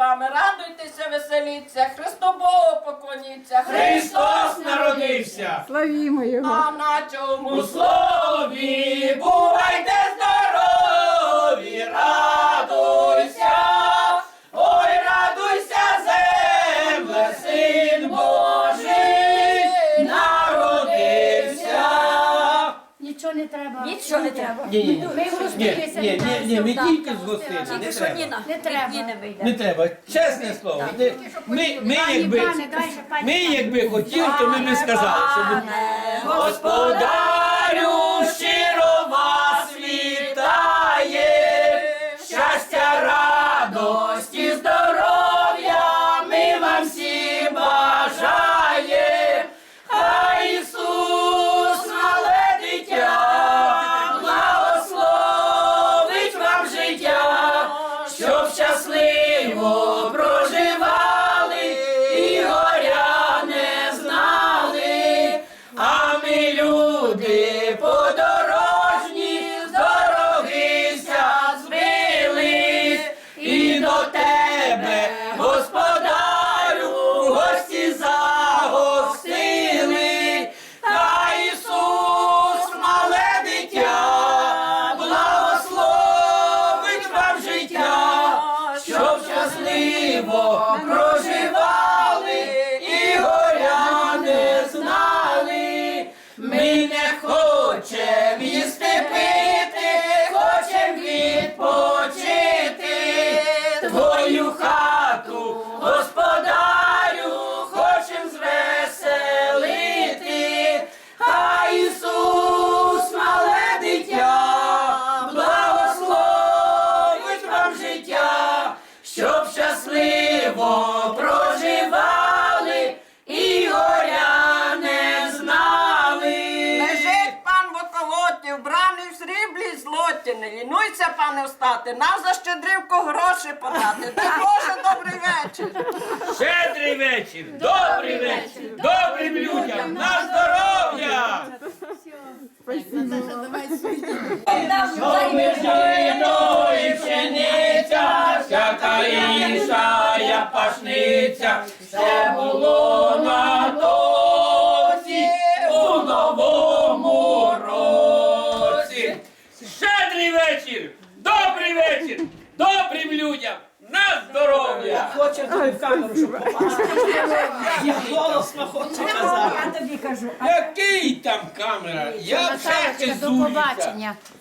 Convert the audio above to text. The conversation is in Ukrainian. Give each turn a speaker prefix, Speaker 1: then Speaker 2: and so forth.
Speaker 1: вами, радуйтеся, веселіться, Христу Богу поклоніться.
Speaker 2: Христос народився!
Speaker 3: Славімо Його!
Speaker 1: А на чому
Speaker 2: У слові бувайте здорові, радуйся, ой, радуйся, земле, Син Божий народився.
Speaker 4: Нічого не треба.
Speaker 5: Нічого не треба.
Speaker 2: Ні,
Speaker 4: Ми гостилися.
Speaker 2: ми тільки з гостини, не
Speaker 5: Тільки що
Speaker 2: треба.
Speaker 5: Ніна,
Speaker 4: Не треба.
Speaker 5: Ніна вийде.
Speaker 2: Не треба, чесне слово. Ми якби хотіли, то ми б сказали, що ми... Господарю, щиро вас вітає, щастя, радості, здоров'я ми вам всі бажає. Хай Ісус, мале дитя, благословить вам життя, щоб щасливо проживали і горя не знали. А ми люди подорожні, з дорогися збились, і до тебе, Господарю, гості загостили. Хай Ісус, мале дитя, благословить вам життя, щоб щасливо проживали і горя не знали. Ми не хочем їсти пити, хочем відпочити. Твою хату, Господарю, хочем звеселити. Хай Ісус, мале дитя, благословить вам життя, щоб щасливо проживали і горя не знали.
Speaker 1: лежить пан в околоті, вбраний в сріблі й злоті. Не лінуйся, пане, встати, нам за щедрівку гроші подати. Дай Боже, добрий вечір.
Speaker 2: Щедрий вечір, добрий вечір, добрим людям, на здоров'я! Жито і пшениця, всяка інша я пашниця, все було на досі у новому році. Щедрий вечір, добрим людям, на здоров'я!
Speaker 6: Хоче тобі в камеру, щоб попасти. Я голосно хочу казати.
Speaker 5: Я тобі кажу.
Speaker 2: Який там камера? Я вже
Speaker 4: Наталочка, до
Speaker 2: хизуюся.
Speaker 4: побачення.